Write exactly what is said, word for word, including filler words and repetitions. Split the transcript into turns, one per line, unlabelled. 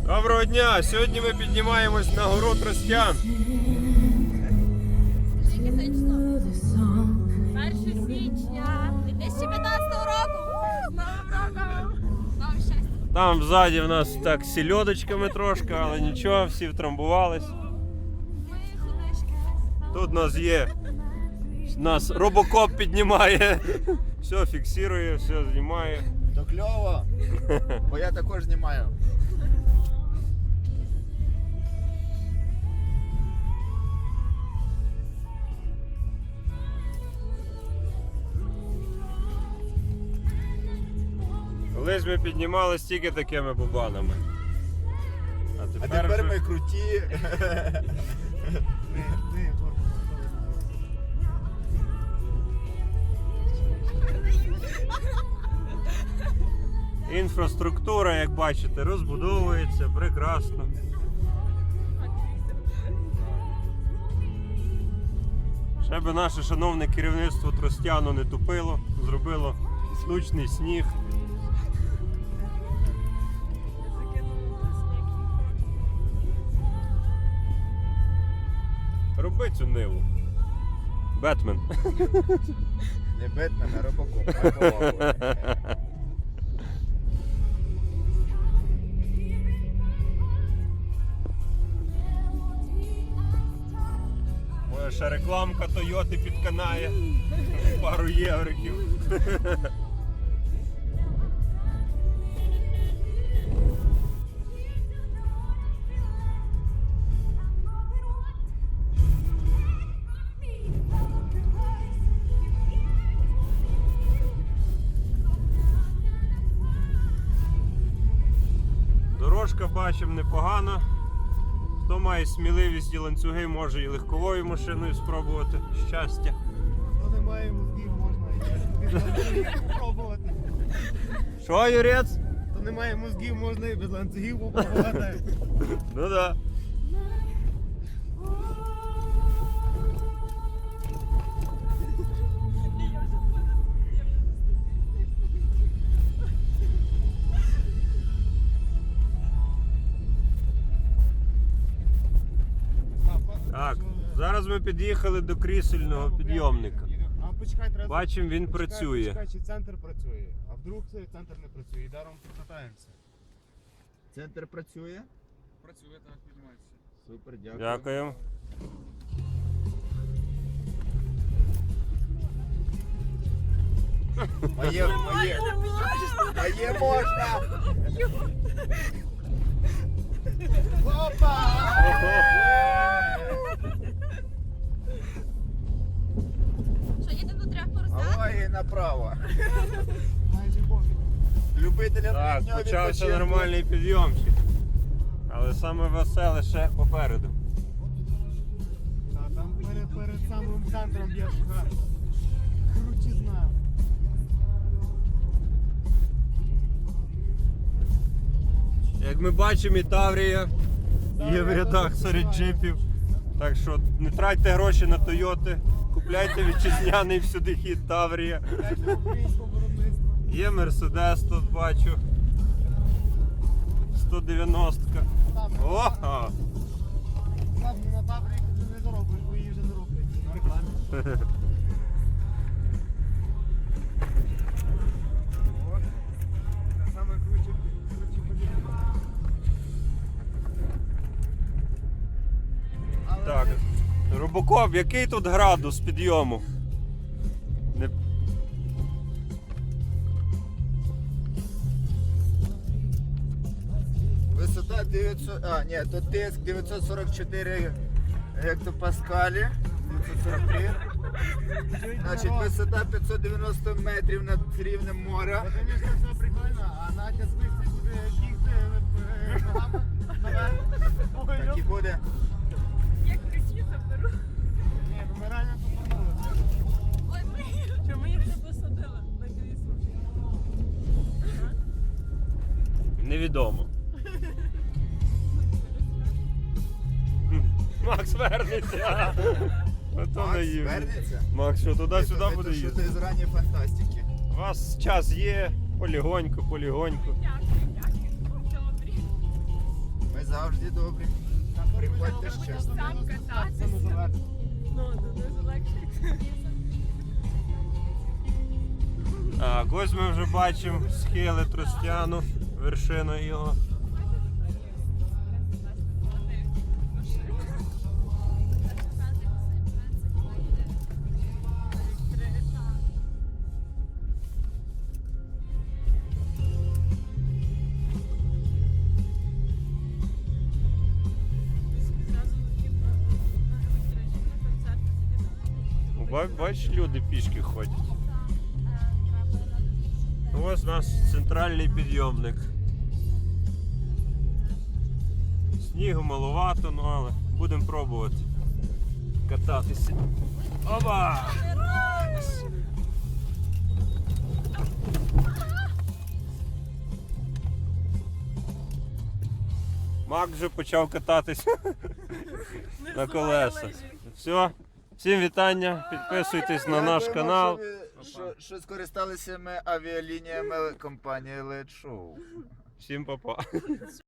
Доброго дня! Сьогодні ми піднімаємось на гору Тростян.
перше січня дві тисячі п'ятнадцятого року. З Новим роком! Знову щастя!
Там ззаді в нас так з сільодочками трошки, але нічого, всі втрамбувались.
Мої худишки.
Тут у нас є, нас робокоп піднімає, все фіксує, все знімає.
То кльово, бо я також знімаю.
Колись ми піднімались тільки такими бубанами. А
А
тепер,
тепер
вже...
ми круті.
Інфраструктура, як бачите, розбудовується прекрасно. Ще би наше шановне керівництво Тростяну не тупило, зробило штучний сніг. Роби цю ниву. Бетмен.
Не Бетмен, а Робокоп. а Робокоп.
Може ще рекламка Тойоти підканає. Пару євриків. Дорожка, бачимо, непогана. Хто має сміливість і ланцюги, може і легковою машиною спробувати. Щастя.
Хто не має мозгів, можна і спробувати.
Що, Юрець?
Хто не має мозгів, можна і без ланцюгів попробувати.
Ну да. Так, зараз ми під'їхали до крісельного підйомника.
А почекай, треба...
Бачимо, він
почекай,
працює.
Почекай, чи центр працює. А вдруг цей центр не працює. І даром покатаємося. Центр працює?
Працює, так, піднімається.
Супер, дякую.
Дякую.
Моє, моє. Моє можна. Опа!
Що, їдемо до трьох поросят?
Алло, і направо. Любителям
Так,
літнього
почався
відпочинку.
нормальний підйомчик. Але саме веселе ще попереду.
Та, там перед, перед самим центром є шар. Крутизна.
Як ми бачимо, і Таврія є в рядах серед джипів. Так що не тратьте гроші на Тойоти, купляйте вітчизняний всюди хід Таврія.
Українського виробництва.
Є Мерседес тут бачу. сто дев'яносто. Ого!
Там на Таврії вже не заробиш, бо її вже не роблять. На рекламі. О, це саме круче, круче подібне. Але
Так, Робокоп, який тут градус підйому? Не...
висота дев'ятсот, а, ні, тут тиск дев'ятсот сорок чотири гектопаскалі, дев'ятсот сорок три. Значить, висота п'ятсот дев'яносто метрів над рівнем моря. Це, звісно, все прикольно, а Надя звикла буде бігти ногами наверх. Так і буде.
Як ключі заберу.
Ні, ну ми реально попорнулися.
Ой, блін. Чому їх не посадила на крісло?
Невідомо. Макс вернеться. Ото
Макс
наївний.
вернеться?
Макс, що туди-сюди
Це-
буде
це що
їздити?
ти з ранньої фантастики.
У вас час є, полігоньку, полігоньку.
Дякую, дякую. Добрі.
Всі добрі. Приходьте ще.
Сам кататися. Ну, дуже легше.
Так, ось ми вже бачимо схили Тростяну, вершину його. Ба- Бачиш, люди пішки ходять. Ось у нас центральний підйомник. Снігу маловато, ну але будемо пробувати кататися. Оба! Мак вже почав кататися на колесах. Все, всім вітання, підписуйтесь на наш
Дякуємо,
канал.
що ви- Що, що скористалися ми авіалініями компанії Лед Шоу.
Всім па-па.